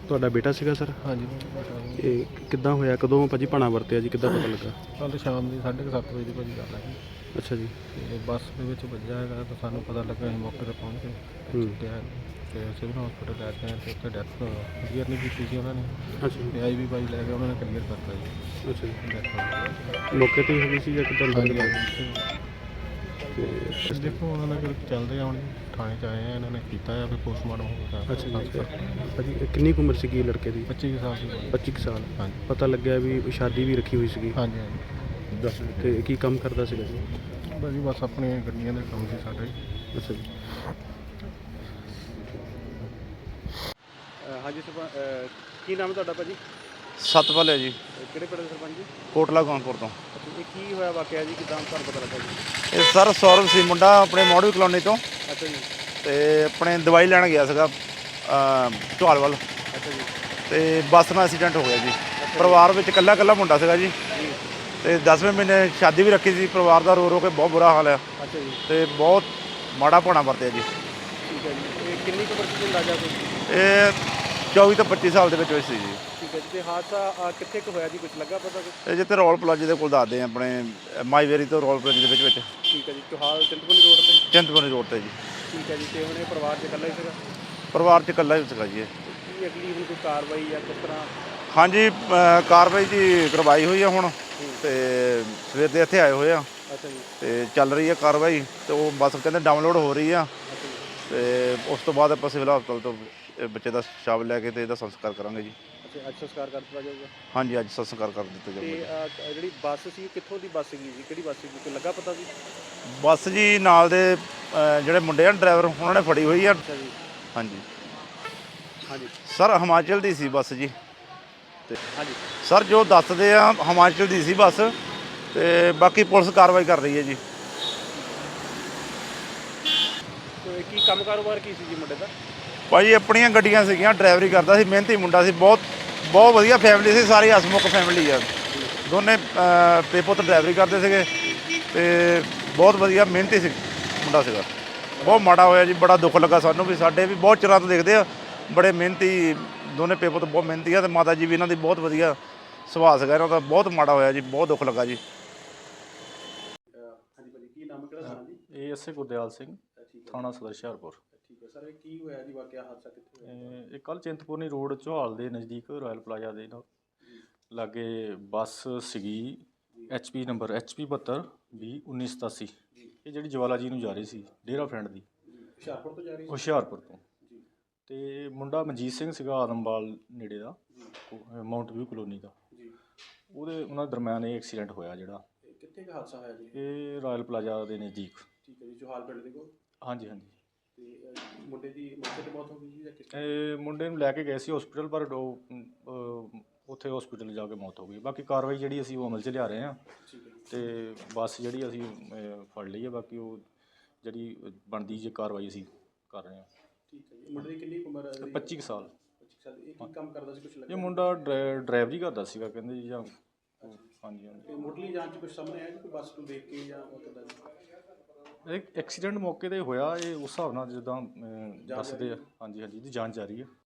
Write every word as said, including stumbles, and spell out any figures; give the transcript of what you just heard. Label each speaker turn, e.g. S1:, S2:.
S1: ਤੁਹਾਡਾ ਬੇਟਾ ਸੀਗਾ ਸਰ?
S2: ਹਾਂਜੀ
S1: ਇਹ ਕਿੱਦਾਂ ਹੋਇਆ, ਕਦੋਂ ਭਾਜੀ ਭਾਣਾ ਵਰਤਿਆ ਜੀ, ਕਿੱਦਾਂ ਪਤਾ ਲੱਗਾ?
S2: ਕੱਲ੍ਹ ਸ਼ਾਮ ਦੀ ਸਾਢੇ ਕੁ ਸੱਤ ਵਜੇ ਦੀ ਭਾਜੀ ਗੱਲ ਹੈ ਜੀ।
S1: ਅੱਛਾ ਜੀ।
S2: ਤੇ ਬੱਸ ਦੇ ਵਿੱਚ ਵੱਜਿਆ ਹੈਗਾ ਤਾਂ ਸਾਨੂੰ ਪਤਾ ਲੱਗਾ, ਅਸੀਂ ਮੌਕੇ 'ਤੇ ਪਹੁੰਚ ਗਏ
S1: ਹੂੰ।
S2: ਚੁੱਕਿਆ ਤੇ ਸਿਵਲ ਹਸਪੀਟਲ ਲੈ ਕੇ ਆਏ ਤੇ ਉੱਥੇ ਡੈਥ ਕਲੀਅਰ ਨਹੀਂ ਕੀਤੀ ਸੀ ਉਹਨਾਂ ਨੇ।
S1: ਅੱਛਾ ਜੀ।
S2: ਤੇ ਆਈ ਵੀ ਭਾਈ ਲੈ ਕੇ ਉਹਨਾਂ ਨੇ ਕਲੀਅਰ ਕਰਤਾ ਜੀ।
S1: ਅੱਛਾ ਜੀ।
S2: ਡੈਥ ਹੋ ਗਈ।
S1: ਮੌਕੇ 'ਤੇ ਹੀ ਹੋ ਗਈ ਸੀ ਜਾਂ ਕਿੱਦਾਂ ਅੰਦਰ
S2: ਹਾਂਜੀ
S1: ਲਗਾ?
S2: ਹਾਂਜੀ।
S1: ਤੇ
S2: ਦੇਖੋ ਉਹਨਾਂ ਦਾ ਚੱਲਦੇ ਆ, ਹੁਣ ਥਾਣੇ 'ਚ ਆਏ ਆ, ਇਹਨਾਂ ਨੇ ਕੀਤਾ ਆ ਫਿਰ ਪੋਸਟਮਾਰਟਮ ਹੋਊਗਾ।
S1: ਅੱਛਾ ਜੀ। ਤੇ ਭਾਜੀ ਇਹ ਕਿੰਨੀ ਕੁ ਉਮਰ ਸੀਗੀ ਲੜਕੇ ਦੀ?
S2: ਪੱਚੀ ਕੁ ਸਾਲ ਦੀ।
S1: ਪੱਚੀ ਕੁ ਸਾਲ।
S2: ਹਾਂਜੀ
S1: ਪਤਾ ਲੱਗਿਆ ਵੀ ਸ਼ਾਦੀ ਵੀ ਰੱਖੀ ਹੋਈ ਸੀਗੀ।
S2: ਹਾਂਜੀ ਹਾਂਜੀ।
S1: ਦੱਸ ਤੇ ਕੀ ਕੰਮ ਕਰਦਾ ਸੀਗਾ ਜੀ?
S2: ਭਾਜੀ ਬਸ ਆਪਣੀਆਂ ਗੱਡੀਆਂ ਦੇ ਕੰਮ ਸੀ ਸਾਡੇ।
S1: ਅੱਛਾ ਜੀ। ਹਾਂਜੀ ਸਰਪੰਚ, ਕੀ ਨਾਮ ਹੈ ਤੁਹਾਡਾ ਭਾਜੀ?
S3: ਸਤਪਾਲ ਹੈ ਜੀ,
S1: ਕਿਹੜੇ ਪਿੰਡ ਦੇ ਸਰਪੰਚ ਜੀ?
S3: ਕੋਟਲਾ ਗੌਨਪੁਰ ਤੋਂ।
S1: ਅੱਛਾ, ਇਹ ਕੀ ਹੋਇਆ ਵਾਕਿਆ ਜੀ, ਕਿੱਦਾਂ ਤੁਹਾਨੂੰ ਪਤਾ ਲੱਗਾ ਜੀ?
S3: ਇਹ ਸਰ ਸੌਰਵ ਸੀ ਮੁੰਡਾ, ਆਪਣੇ ਮੋੜਵੀ ਕਲੋਨੀ ਤੋਂ,
S1: ਅੱਛਾ ਜੀ।
S3: ਤੇ ਆਪਣੇ ਦਵਾਈ ਲੈਣ ਗਿਆ ਸੀਗਾ ਢੋਲ ਵੱਲ,
S1: ਅੱਛਾ ਜੀ।
S3: ਤੇ ਬੱਸ ਨਾਲ ਐਕਸੀਡੈਂਟ ਹੋ ਗਿਆ ਜੀ। ਪਰਿਵਾਰ ਵਿੱਚ ਇਕੱਲਾ ਇਕੱਲਾ ਮੁੰਡਾ ਸੀਗਾ ਜੀ, ਤੇ ਦਸਵੇਂ ਮਹੀਨੇ ਸ਼ਾਦੀ ਵੀ ਰੱਖੀ ਸੀ। ਪਰਿਵਾਰ ਦਾ ਰੋ ਰੋ ਕੇ ਬਹੁਤ ਬੁਰਾ ਹਾਲ ਆ।
S1: ਅੱਛਾ ਜੀ।
S3: ਤੇ ਬਹੁਤ ਮਾੜਾ ਭਾਣਾ ਵਰਤਿਆ ਜੀ।
S1: ਠੀਕ ਹੈ ਜੀ। ਇਹ ਕਿੰਨੀ ਕੁ ਉਮਰ ਸੀ ਅੰਦਾਜ਼ਾ ਕੋਈ?
S3: ਇਹ ਚੌਵੀ ਤੋਂ ਪੱਚੀ ਸਾਲ ਦੇ ਵਿੱਚ ਹੋਈ ਸੀ ਜੀ।
S1: ਠੀਕ ਹੈ ਜੀ। ਤੇ ਹਾਦਸਾ ਕਿੱਥੇ ਕੁ ਹੋਇਆ ਜੀ, ਕੁਝ ਲੱਗਾ ਪਤਾ ਕੁਛ?
S3: ਇਹ ਜਿੱਥੇ ਰੋਲ ਪਲਾਜ਼ੇ ਦੇ ਕੋਲ ਦੱਸਦੇ ਆ, ਆਪਣੇ ਮਾਈਵੇਰੀ ਤੋਂ ਰੋਲ ਪਲਾਜ਼ੇ ਦੇ ਵਿੱਚ ਵਿੱਚ
S1: ਠੀਕ ਹੈ ਜੀ। ਚੋਹਾਲ ਚਿੰਤਪੁਰਨੀ ਰੋਡ ਤੇ?
S3: ਚਿੰਤਪੁਰਨੀ ਰੋਡ ਤੇ ਜੀ।
S1: ਠੀਕ ਹੈ ਜੀ। ਤੇ ਹੁਣ ਇਹ ਪਰਿਵਾਰ 'ਚ ਇਕੱਲਾ ਹੀ ਸੀਗਾ?
S3: ਪਰਿਵਾਰ 'ਚ ਇਕੱਲਾ ਹੀ ਸੀਗਾ ਜੀ ਇਹ।
S1: ਕੀ ਅਗਲੀ ਹੁਣ ਕੋਈ ਕਾਰਵਾਈ ਜਾਂ ਕਿਸ ਤਰ੍ਹਾਂ?
S3: ਹਾਂਜੀ, ਕਾਰਵਾਈ ਜੀ ਕਰਵਾਈ ਹੋਈ ਆ ਹੁਣ, ਤੇ ਸਵੇਰ ਦੇ ਇੱਥੇ ਆਏ ਹੋਏ ਆ,
S1: ਅੱਛਾ ਜੀ।
S3: ਤੇ ਚੱਲ ਰਹੀ ਹੈ ਕਾਰਵਾਈ। ਤੇ ਉਹ ਬੱਸ ਕਹਿੰਦੇ ਡਾਊਨਲੋਡ ਹੋ ਰਹੀ ਆ,
S1: ਅੱਛਾ ਜੀ।
S3: ਤੇ ਉਸ ਤੋਂ ਬਾਅਦ ਆਪਾਂ ਸਿਵਲ ਹਸਪਤਾਲ ਤੋਂ ਇਹ ਬੱਚੇ ਦਾ ਸ਼ਵ ਲੈ ਕੇ ਤੇ ਇਹਦਾ ਸੰਸਕਾਰ ਕਰਾਂਗੇ ਜੀ।
S1: ਅੱਛਾ, ਅੱਜ ਸੰਸਕਾਰ ਕਰ ਦਿੱਤਾ ਜਾਊਗਾ?
S3: ਹਾਂਜੀ, ਅੱਜ ਸੰਸਕਾਰ ਕਰ ਦਿੱਤਾ
S1: ਤੇ
S3: ਜਾਊਗਾ।
S1: ਅਹ, ਜਿਹੜੀ ਬੱਸ ਸੀ ਕਿੱਥੋਂ ਦੀ ਬੱਸ ਸੀਗੀ ਜੀ, ਕਿਹੜੀ ਬੱਸ ਸੀਗੀ, ਕੋਈ ਲੱਗਾ ਪਤਾ ਜੀ?
S3: ਬੱਸ ਜੀ ਨਾਲ ਦੇ ਅ, ਜਿਹੜੇ ਮੁੰਡੇ ਆ ਡਰਾਈਵਰ, ਉਹਨਾਂ ਨੇ ਫੜੀ ਹੋਈ ਆ।
S1: ਅੱਛਾ ਜੀ।
S3: ਹਾਂਜੀ
S1: ਹਾਂਜੀ
S3: ਸਰ, ਹਿਮਾਚਲ ਦੀ ਸੀ ਬੱਸ ਜੀ। ਤੇ
S1: ਹਾਂਜੀ।
S3: ਸਰ ਜੋ ਦੱਸਦੇ ਆ ਹਿਮਾਚਲ ਦੀ ਸੀ ਬੱਸ, ਤੇ ਬਾਕੀ ਪੁਲਿਸ ਕਾਰਵਾਈ ਕਰ ਰਹੀ ਹੈ ਜੀ।
S1: ਤੇ ਕੀ ਕੰਮ ਕਾਰੋਬਾਰ ਕੀ ਸੀ ਜੀ ਮੁੰਡੇ ਦਾ?
S3: ਭਾਜੀ ਆਪਣੀਆਂ ਗੱਡੀਆਂ ਸੀਗੀਆਂ, ਡਰਾਈਵਰੀ ਕਰਦਾ ਸੀ, ਮਿਹਨਤੀ ਮੁੰਡਾ ਸੀ, ਬਹੁਤ ਬਹੁਤ ਵਧੀਆ ਫੈਮਿਲੀ ਸੀ, ਸਾਰੀ ਹਸਮੁਖ ਫੈਮਿਲੀ ਆ। ਦੋਨੇ ਪੇ ਪੁੱਤ ਡਰਾਈਵਰੀ ਕਰਦੇ ਸੀਗੇ, ਤੇ ਬਹੁਤ ਵਧੀਆ ਮਿਹਨਤੀ ਸੀ ਮੁੰਡਾ ਸੀਗਾ। ਬਹੁਤ ਮਾੜਾ ਹੋਇਆ ਜੀ, ਬੜਾ ਦੁੱਖ ਲੱਗਾ ਸਾਨੂੰ ਵੀ। ਸਾਡੇ ਵੀ ਬਹੁਤ ਚਿਰਾਂ ਤੋਂ ਦੇਖਦੇ ਆ, ਬੜੇ ਮਿਹਨਤੀ ਦੋਨੇ ਪੇ ਪੁੱਤ, ਬਹੁਤ ਮਿਹਨਤੀ ਆ, ਤੇ ਮਾਤਾ ਜੀ ਵੀ ਇਹਨਾਂ ਦੀ ਬਹੁਤ ਵਧੀਆ ਸੁਭਾਅ ਸੀਗਾ ਇਹਨਾਂ ਦਾ। ਬਹੁਤ ਮਾੜਾ ਹੋਇਆ ਜੀ, ਬਹੁਤ ਦੁੱਖ ਲੱਗਾ ਜੀ।
S1: ਹਾਂਜੀ ਭਾਜੀ, ਕੀ ਨਾਮ ਕਿਹੜਾ ਥਾਣਾ ਜੀ?
S2: ਇਹ ਐਸ ਏ ਗੁਰਦਿਆਲ ਸਿੰਘ,
S1: ਠੀਕ ਹੈ।
S2: ਥਾਣਾ ਸਦਰ ਹੁਸ਼ਿਆਰਪੁਰ।
S1: ਠੀਕ ਹੈ ਸਰ, ਇਹ ਕੀ ਹੋਇਆ ਜੀ ਵਾਕਿਆ, ਹਾਦਸਾ ਕਿੱਥੇ ਹੋਇਆ?
S2: ਇਹ ਇਹ ਕੱਲ੍ਹ ਚਿੰਤਪੁਰਨੀ ਰੋਡ ਚੌਹਾਲ ਦੇ ਨਜ਼ਦੀਕ ਰਾਇਲ ਪਲਾਜ਼ਾ ਦੇ ਨਾਲ ਲਾਗੇ ਬੱਸ ਸੀਗੀ, H P number H P ਬਹੱਤਰ ਵੀਹ ਉੱਨੀ ਸਤਾਸੀ। ਇਹ ਜਿਹੜੀ ਜਵਾਲਾ ਜੀ ਨੂੰ ਜਾ ਰਹੀ ਸੀ, ਡੇਰਾ ਫਰੈਂਡ ਦੀ,
S1: ਹੁਸ਼ਿਆਰਪੁਰ ਤੋਂ ਜਾ ਰਹੀ ਸੀ?
S2: ਹੁਸ਼ਿਆਰਪੁਰ ਤੋਂ।
S1: ਜੀ।
S2: ਤੇ ਮੁੰਡਾ ਮਨਜੀਤ ਸਿੰਘ ਸੀਗਾ, ਆਦਮਵਾਲ ਨੇੜੇ ਦਾ, ਮਾਊਂਟ ਵਿਊ ਕਲੋਨੀ ਦਾ।
S1: ਜੀ।
S2: ਉਹਦੇ ਉਹਨਾਂ ਦਰਮਿਆਨ ਇਹ ਐਕਸੀਡੈਂਟ ਹੋਇਆ ਜਿਹੜਾ।
S1: ਇਹ ਕਿੱਥੇ ਕੁ ਹਾਦਸਾ ਹੋਇਆ ਜੀ?
S2: ਇਹ ਰਾਇਲ ਪਲਾਜ਼ਾ ਦੇ ਨਜ਼ਦੀਕ।
S1: ਠੀਕ ਹੈ ਜੀ। ਚੋਹਾਲ ਪਿੰਡ ਦੇ ਕੋਲ?
S2: ਹਾਂਜੀ ਹਾਂਜੀ।
S1: ਤੇ ਅਹ, ਮੁੰਡੇ ਦੀ ਮੌਕੇ ਤੇ ਮੌਤ ਹੋ ਗਈ ਜੀ ਜਾਂ ਕਿਸ?
S2: ਇਹ ਮੁੰਡੇ ਨੂੰ ਲੈ ਕੇ ਗਏ ਸੀ ਹਸਪੀਟਲ, ਪਰ ਉਹ ਅਹ, ਉੱਥੇ ਹਸਪੀਟਲ ਜਾ ਕੇ ਮੌਤ ਹੋ ਗਈ। ਬਾਕੀ ਕਾਰਵਾਈ ਜਿਹੜੀ ਅਸੀਂ ਉਹ ਅਮਲ 'ਚ ਲਿਆ ਰਹੇ ਹਾਂ,
S1: ਠੀਕ ਹੈ ਜੀ।
S2: ਤੇ ਬੱਸ ਜਿਹੜੀ ਅਸੀਂ ਅਹ, ਫੜ ਲਈ ਹੈ। ਬਾਕੀ ਉਹ ਜਿਹੜੀ ਬਣਦੀ ਜੇ ਕਾਰਵਾਈ ਅਸੀਂ ਕਰ ਰਹੇ ਹਾਂ।
S1: ਠੀਕ ਹੈ ਜੀ। ਮੁੰਡੇ ਦੀ ਕਿੰਨੀ ਕੁ ਉਮਰ ਹੈ?
S2: ਪੱਚੀ ਕੁ ਸਾਲ।
S1: ਪੱਚੀ ਸਾਲ। ਇਹ ਕੀ ਕੰਮ ਕਰਦਾ ਸੀ, ਕੁਝ ਲੱਗਾ?
S2: ਇਹ ਮੁੰਡਾ ਡਰਾ ਡਰਾਈਵਰੀ ਕਰਦਾ ਸੀਗਾ ਕਹਿੰਦੇ ਜੀ, ਜਾਂ ਹਾਂਜੀ ਹਾਂਜੀ।
S1: ਤੇ ਮੁੱਢਲੀ ਜਾਂਚ 'ਚ ਕੁਝ ਸਾਹਮਣੇ ਆਇਆ ਕਿ ਬੱਸ ਨੂੰ ਦੇਖ ਕੇ ਜਾਂ ਕਿੱਦਾਂ ਜੀ?
S2: ਇਹ ਐਕਸੀਡੈਂਟ ਮੌਕੇ 'ਤੇ ਹੋਇਆ, ਇਹ ਉਸ ਹਿਸਾਬ ਨਾਲ ਜਿੱਦਾਂ ਅਹ, ਦੱਸਦੇ ਆ। ਹਾਂਜੀ ਹਾਂਜੀ, ਇਹਦੀ ਜਾਂਚ ਜਾਰੀ ਹੈ।